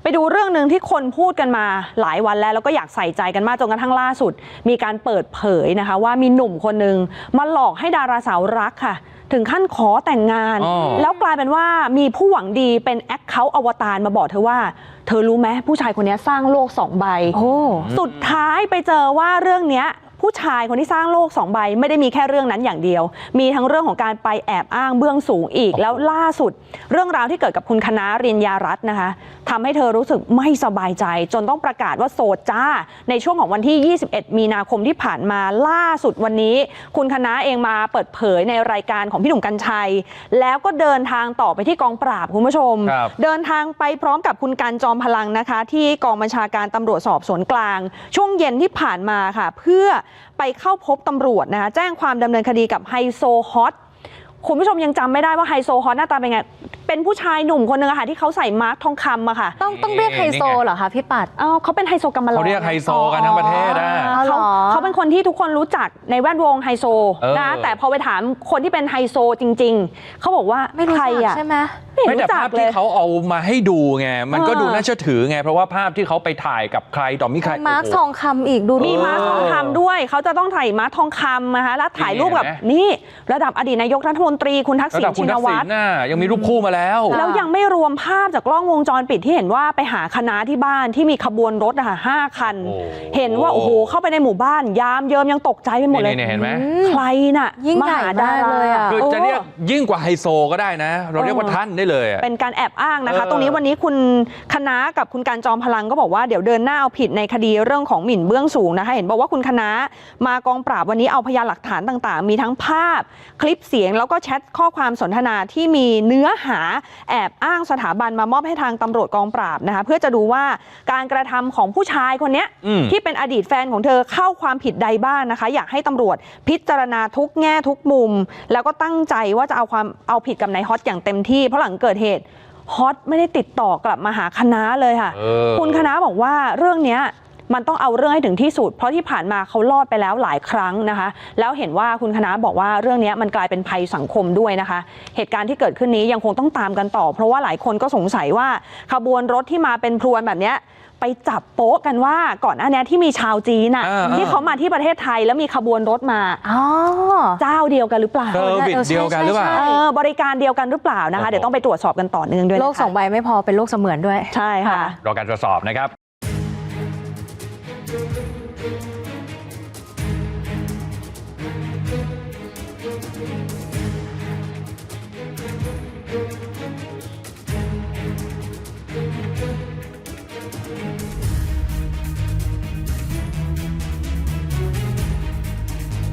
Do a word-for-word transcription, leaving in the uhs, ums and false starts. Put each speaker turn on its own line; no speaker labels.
ไปดูเรื่องหนึ่งที่คนพูดกันมาหลายวันแล้วแล้วก็อยากใส่ใจกันมากจนกระทั่งล่าสุดมีการเปิดเผยนะคะว่ามีหนุ่มคนหนึ่งมาหลอกให้ดาราสาวรักค่ะถึงขั้นขอแต่งงานแล้วกลายเป็นว่ามีผู้หวังดีเป็นแอคเคาท์อวตารมาบอกเธอว่าเธอรู้ไหมผู้ชายคนนี้สร้างโลกสองใบสุดท้ายไปเจอว่าเรื่องนี้ผู้ชายคนที่สร้างโลกสองใบไม่ได้มีแค่เรื่องนั้นอย่างเดียวมีทั้งเรื่องของการไปแอบอ้างเบื้องสูงอีกแล้วล่าสุดเรื่องราวที่เกิดกับคุณคณะริญญารัตน์นะคะทำให้เธอรู้สึกไม่สบายใจจนต้องประกาศว่าโสดจ้าในช่วงของวันที่ยี่สิบเอ็ดมีนาคมที่ผ่านมาล่าสุดวันนี้คุณคณะเองมาเปิดเผยในรายการของพี่หนุ่มกรรชัยแล้วก็เดินทางต่อไปที่กองปราบคุณผู้ชมเดินทางไปพร้อมกับคุณกันจอมพลังนะคะที่กองบัญชาการตำรวจสอบสวนกลางช่วงเย็นที่ผ่านมาค่ะเพื่อไปเข้าพบตำรวจนะคะแจ้งความดำเนินคดีกับไฮโซฮอตคุณผู้ชมยังจำไม่ได้ว่าไฮโซฮอตหน้าตาเป็นไงเป็นผู้ชายหนุ่มคนนึงอะค่ะที่เขาใส่มาร์คทองคำอะค่ะ
ต้องต้องเรียกไฮโซเหรอคะพี่ปัด
อ๋อเขาเป็นไฮโซกำมะลอ
เขาเรียกไฮโซกันทั้งประเทศนะ
เขาเขาเป็นคนที่ทุกคนรู้จักในแวดวงไฮโซนะแต่พอไปถามคนที่เป็นไฮโซจริงๆเขาบอกว่า
ไม่รู้จักใช่ไหม
ไม่แต่ภาพที่เขาเอามาให้ดูไงมันก็ดูน่าเชื่อถือไงเพราะว่าภาพที่เขาไปถ่ายกับใครต่อมีใคร
มาร์คทองคำอีกดู
มีมาร์คทองคำด้วยเขาจะต้องถ่ายมาร์คทองคำนะคะแล้วถ่ายรูปกับนี่ระดับอดีตนายกรัฐมนตรีคุณทักษิณชินวัตร
ยังมีรูปคู่มาแล้ว
แล้วยังไม่รวมภาพจากกล้องวงจรปิดที่เห็นว่าไปหาคณะที่บ้านที่มีขบวนรถอะห้าคันเห็นว่าโอ้โหเข้าไปในหมู่บ้านยามเยิมยังตกใจไปหมดเลย
เห็นไหม
ใครน่ะ
ยิ่งใหญ่ดาเลยอ่ะ
คือจะเรียกยิ่งกว่าไฮโซก็ได้นะเราเรียกว่าท่านได้เลย
เป็นการแอบอ้างนะคะตรงนี้วันนี้คุณคณะกับคุณการจอมพลังก็บอกว่าเดี๋ยวเดินหน้าเอาผิดในคดีเรื่องของหมิ่นเบื้องสูงนะคะเห็นบอกว่าคุณคณะมากองปราบวันนี้เอาพยานหลักฐานต่างๆมีทั้งภาพคลิปเสียงแล้วก็แชทข้อความสนทนาที่มีเนื้อหาแอบอ้างสถาบันมามอบให้ทางตำรวจกองปราบนะคะเพื่อจะดูว่าการกระทำของผู้ชายคนนี้ที่เป็นอดีตแฟนของเธอเข้าความผิดใดบ้างนะคะอยากให้ตำรวจพิจารณาทุกแง่ทุกมุมแล้วก็ตั้งใจว่าจะเอาความเอาผิดกับนายฮอตอย่างเต็มที่เพราะหลังเกิดเหตุฮอตไม่ได้ติดต่อกลับมาหาคณะเลยค่ะคุณคณะบอกว่าเรื่องนี้มันต้องเอาเรื่องให้ถึงที่สุดเพราะที่ผ่านมาเขารอดไปแล้วหลายครั้งนะคะแล้วเห็นว่าคุณคณะบอกว่าเรื่องนี้มันกลายเป็นภัยสังคมด้วยนะคะเหตุการณ์ที่เกิดขึ้นนี้ยังคงต้องตามกันต่อเพราะว่าหลายคนก็สงสัยว่าขบวนรถที่มาเป็นพรวนแบบนี้ไปจับโป๊ะกันว่าก่อนหน้านี้ที่มีชาวจีนน่ะที่เขามาที่ประเทศไทยแล้วมีขบวนรถมาเจ้าเดียวกันหรือเปล่า
เซอร์วิสเดียวกันหรือเปล่า
บริการเดียวกันหรือเปล่านะคะเดี๋ยวต้องไปตรวจสอบกันต่อเนื่องด้วย
โลกสองใบไม่พอเป็นโลกเสมือนด้วย
ใช่ค่ะ
รอการตรวจสอบนะครับ